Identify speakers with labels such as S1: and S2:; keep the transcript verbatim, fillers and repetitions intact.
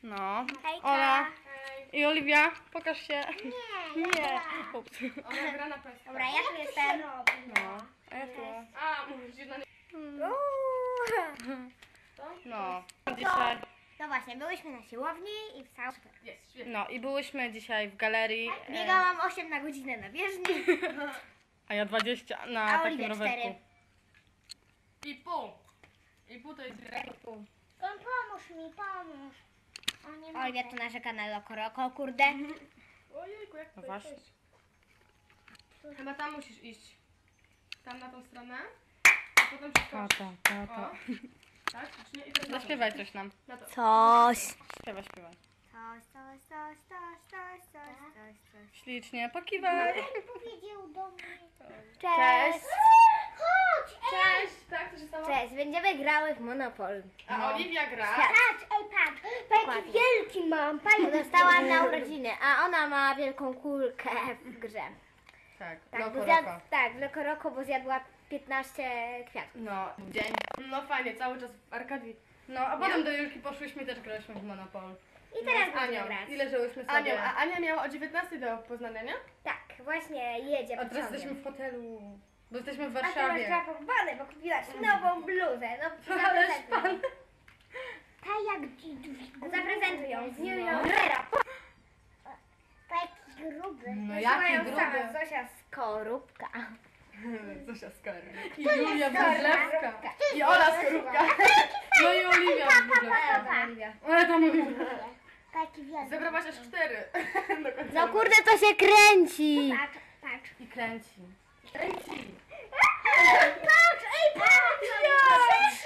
S1: No.
S2: Hejka.
S1: Ola i Oliwia, pokaż się.
S2: Nie,
S1: Nie. Ups.
S3: Ona gra na peskę.
S2: Dobra, ja tu jestem.
S1: No. A ja tu.
S3: A, mówisz na nie...
S1: No. Dzisiaj.
S2: No właśnie, byłyśmy na siłowni i w całym super.
S3: Jest, świetnie.
S1: No i byłyśmy dzisiaj w galerii. e,
S2: Biegałam osiem na godzinę na bieżni,
S1: A ja dwadzieścia na
S2: a
S1: takim
S2: Oliwia
S1: rowerku.
S2: cztery.
S3: I pół. I pół to jest
S2: Pomóż mi, pomóż. Oliwia tu narzeka na lokoroko, kurde.
S3: Ojejku, jak
S1: No
S3: to
S1: wasz.
S3: jest? Chyba tam musisz iść. Tam na tą stronę. A potem przeskoczyć.
S1: Tata, tata.
S3: O. Tak? Czy nie? I teraz na to.
S1: Zaśpiewaj coś nam.
S3: Na to.
S2: Coś.
S1: Śpiewaj, śpiewaj.
S2: Coś, coś, coś, coś, coś, coś, coś, coś.
S1: Ślicznie, pokiwaj.
S2: Powiedział do mnie.
S3: Cześć.
S2: Chodź,
S3: Cześć. Tak, co się stało?
S2: Cześć, będziemy grały w Monopol.
S3: A Oliwia gra.
S2: Patrz, ej patrz, taki wielki mam. Dostałam na urodziny, a ona ma wielką kulkę w grze.
S1: Tak,
S2: Tak,
S1: loko,
S2: bo zjad,
S1: roko.
S2: tak, w Lokoroko, bo zjadła piętnaście kwiatków.
S1: No, dzień.
S3: No fajnie, cały czas w Arkadii.
S1: No, a potem do Julki poszłyśmy i też grałyśmy w Monopol.
S2: I teraz
S3: z
S2: będziemy
S3: Anią.
S2: grać.
S1: Ile żyłyśmy sobie?
S3: Ania, a Ania miała o dziewiętnastej do Poznania, nie?
S2: Tak, właśnie jedzie
S1: A teraz
S2: pociągiem.
S1: jesteśmy w hotelu. Bo jesteśmy w
S2: A ty masz
S1: Warszawie.
S2: zapakowane, bo kupiłaś nową bluzę. No,
S1: Ależ
S2: zaprezentuj ją.
S4: Ta jak
S2: Zaprezentuj ją z New
S1: No.
S2: Yorkera.
S4: taki gruby.
S1: No
S2: Już
S1: jaki
S2: mają
S1: gruby.
S2: sama Zosia Skorupka.
S1: Zosia Skarby. I Julia Wróblewska.
S2: Skorupka.
S3: I Ola Skorupka.
S1: No i Oliwia Wróblewska.
S2: Oliwia.
S1: Ale tam Oliwia.
S4: Taki wielki.
S3: Zebrałaś aż cztery. Do końca
S2: No
S3: roku.
S2: kurde, to się kręci.
S4: Patrz, patrz.
S1: I kręci.
S3: Kręci.
S2: Patrz, ej, patrz!